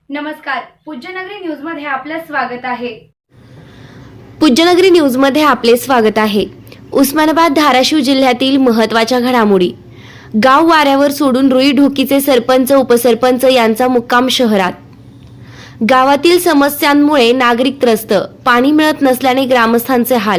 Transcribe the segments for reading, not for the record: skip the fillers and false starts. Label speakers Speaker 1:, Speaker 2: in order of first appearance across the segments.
Speaker 1: नमस्कार, पूज्यनगरी न्यूज मध्ये आपलं स्वागत आहे।
Speaker 2: पूज्यनगरी न्यूज मध्ये आपले स्वागत आहे। उस्मानाबाद धाराशिव जिल्ह्यातील महत्त्वाच्या घडामोडी। गाव वाऱ्यावर सोडून रुई ढोकीचे सरपंच उपसरपंच यांचा मुक्काम शहरात। गावातील समस्यांमुळे नागरिक त्रस्त, पाणी मिळत नसल्याने ग्रामस्थांचे हाल।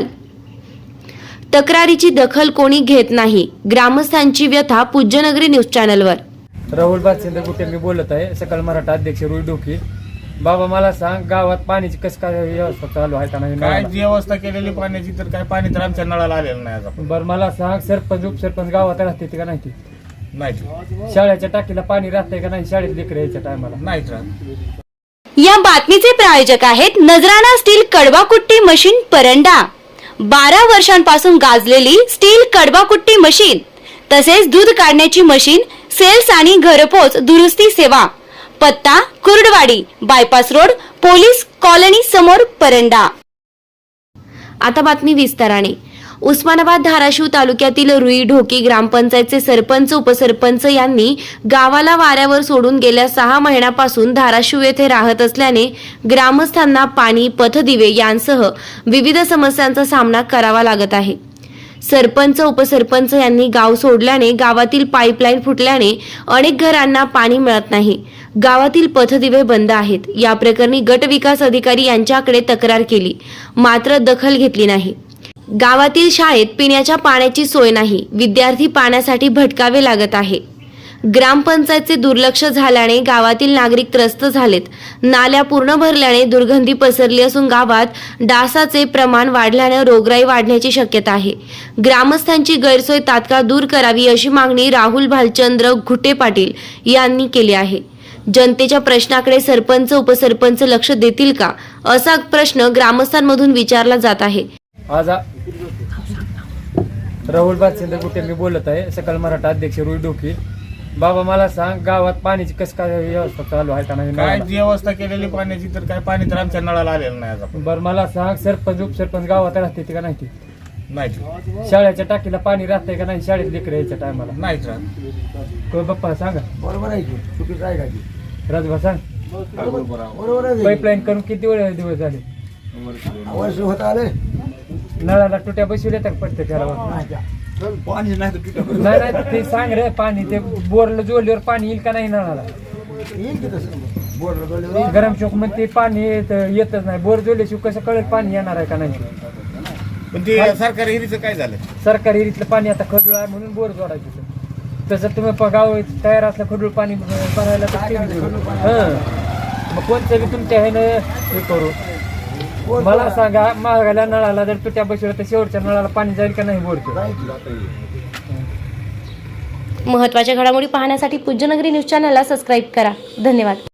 Speaker 2: तक्रारीची दखल कोणी घेत नाही, ग्रामस्थांची व्यथा पूज्यनगरी न्यूज चॅनलवर।
Speaker 3: राहुल बादशिंदे गुटे मी बोलत आहे, सकल मराठा अध्यक्ष रुई ढोकी। बाबा मला सांग, गावात पाण्याची कस काय व्यवस्था चालू आहे का नाही?
Speaker 4: काय व्यवस्था केलेली पाण्याची तर काय पाणी तर आमच्या नळाला आलेलं नाही आज.
Speaker 3: बरं मला सांग, सरपंच उपसरपंच गावात राहते का नाही?
Speaker 4: नाही
Speaker 3: शाळेच्या टाकीला पाणी राहतंय का नाही? शाळेत लेकर यायच्या टायमाला
Speaker 4: नाहीच राहत.
Speaker 2: या बातमीचे प्रायोजक आहेत नजराना स्टील कडवाकुट्टी मशीन परंडा। 12 वर्षांपासून गाजलेली स्टील कडवाकुट्टी मशीन, तसेच दूध काढण्याची मशीन, सेल्स आणि घरपोच दुरुस्ती सेवा। पत्ता Kurduwadi, bypass road, police colony समोर, परंडा। आता बातमी विस्ताराने। उस्मानाबाद धाराशिव तालुक्यातील रुई ढोकी ग्रामपंचायतचे सरपंच उपसरपंच यांनी गावाला वाऱ्यावर सोडून गेल्या 6 महिन्यापासून धाराशिव येथे राहत असल्याने ग्रामस्थांना पाणी, पथदिवे यांसह विविध समस्यांचा सामना करावा लागत आहे। सरपंच उपसरपंच यांनी गाव सोडल्याने गावातील पाईपलाईन फुटल्याने अनेक घरांना पाणी मिळत नाही। गावातील पथदिवे बंद आहेत। या प्रकरणी गट विकास अधिकारी यांच्याकडे तक्रार केली, मात्र दखल घेतली नाही। गावातील शाळेत पिण्याच्या पाण्याची सोय नाही, विद्यार्थी पाण्यासाठी भटकावे लागत आहे। ग्रामपंचायतचे दुर्लक्ष झाल्याने गावातील नागरिक त्रस्त झालेत। नाल्या पूर्ण भरल्याने दुर्गंधी पसरली असून गावात डासाचे प्रमाण वाढल्याने रोगराई वाढण्याची शक्यता आहे। ग्रामस्थांची गैरसोय तात्काळ दूर करावी अशी मागणी राहुल भालचंद्र घुटे पाटील यांनी केली आहे। जनतेच्या प्रश्नाकडे सरपंच उपसरपंच लक्ष देतील का, असा प्रश्न ग्रामस्थांमधून विचारला जात आहे।
Speaker 3: आज राहुल बादशिंदे गुटे मी बोलत आहे, सकल मराठा अध्यक्ष रुई ढोकी। बाबा मला सांग, गावात पाण्याची कस काय व्यवस्था चालू आहे का नाही?
Speaker 4: काय व्यवस्था केलेली पाण्याची तर काय पाणी तर आमच्या नळाला आलेलं नाही आज.
Speaker 3: बरं मला सांग, सरपंच उपसरपंच गावात राहते का नाही?
Speaker 4: नाही
Speaker 3: शाळेच्या टाकीला पाणी राहतंय का नाही? शाळेत लेकर यायच्या टायमाला
Speaker 4: नाहीच राहत.
Speaker 3: बाप्पा सांगा,
Speaker 5: बरोबर आहे की चुकीचं आहे का की?
Speaker 3: राजभा सांग,
Speaker 5: बरोबर आहे
Speaker 3: पाईपलाईन करून किती दिवस झाले?
Speaker 5: वर्ष होत आले
Speaker 3: नळाला तुट्या बसवल्या तर पडते त्याला?
Speaker 5: पाणी नाही तर तुझ्या
Speaker 3: नाही नाही ते सांग रे, पाणी ते बोरला जोडल्यावर पाणी येईल का नाही नळाला?
Speaker 5: येईल की तसं बोर्डर
Speaker 3: गरम चौक मध्ये पाणी येतच नाही, बोर जोडल्याशिवाय कसं कळेल पाणी येणार आहे का नाही?
Speaker 4: पण ते सरकारी हिरीचं काय झालं?
Speaker 3: सरकारी हिरीतलं पाणी आता खडूळ आहे म्हणून बोर जोडायचं। तसं तुम्ही गाव तयार असलं खडूळ पाणी भरायला तर ते बी जोडू. मग कोणतं बी तुमच्या ह्यानं हे करू। मला सांगा, महागाला नळाला जर तुट्या बसवल्या तर शेवटच्या नळाला पाणी जाईल का नाही बोरचं?
Speaker 2: महत्त्वाच्या घडामोडी पाहण्यासाठी पूज्यनगरी न्यूज चॅनलला सबस्क्राईब करा। धन्यवाद।